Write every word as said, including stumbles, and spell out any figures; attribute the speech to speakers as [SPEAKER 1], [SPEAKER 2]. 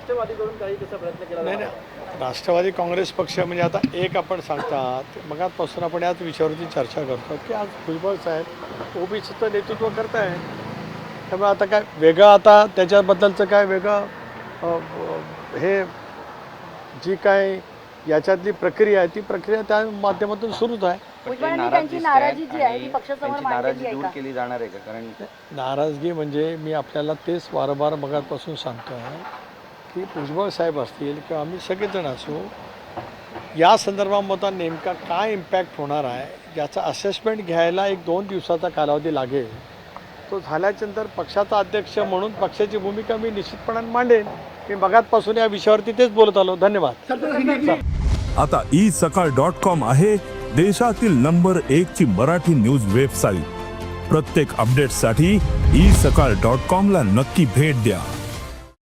[SPEAKER 1] राष्ट्रवादीकडून काही तसा प्रयत्न केला
[SPEAKER 2] नाही नाही राष्ट्रवादी काँग्रेस पक्ष म्हणजे आता एक आपण सांगतात मगातपासून आपण याच विषयावरती चर्चा करतो की आज भुजबळ साहेब ओबीसीचं नेतृत्व करत आहे. त्यामुळे आता काय वेगळं आता त्याच्याबद्दलचं काय वेगळं हे जी काय याच्यातली प्रक्रिया आहे ती प्रक्रिया त्या माध्यमातून सुरूच आहे.
[SPEAKER 3] त्यांची नाराजी जी आहे ती पक्षासमोर मांडलेली आहे
[SPEAKER 4] दूर
[SPEAKER 3] का?
[SPEAKER 4] केली जाणार आहे का? कारण
[SPEAKER 2] नाराजगी म्हणजे मी आपल्याला तेच वारंवार मगातपासून सांगतो आहे की भुजबळ साहेब असतील किंवा आम्ही सगळेजण असू या संदर्भामध्ये नेमका काय इम्पॅक्ट होणार आहे याचा असेसमेंट घ्यायला एक दोन दिवसाचा कालावधी लागेल. तो झाल्याच्यानंतर पक्षाचा अध्यक्ष म्हणून पक्षाची भूमिका मी निश्चितपणाने मांडेन. मी मगातपासून या विषयावरती तेच बोलत आलो. धन्यवाद.
[SPEAKER 5] आता ई सकाळ डॉट कॉम आहे देशातील नंबर एक ची मराठी न्यूज वेबसाईट. प्रत्येक अपडेटसाठी ई सकाळ डॉट कॉम ला नक्की भेट द्या.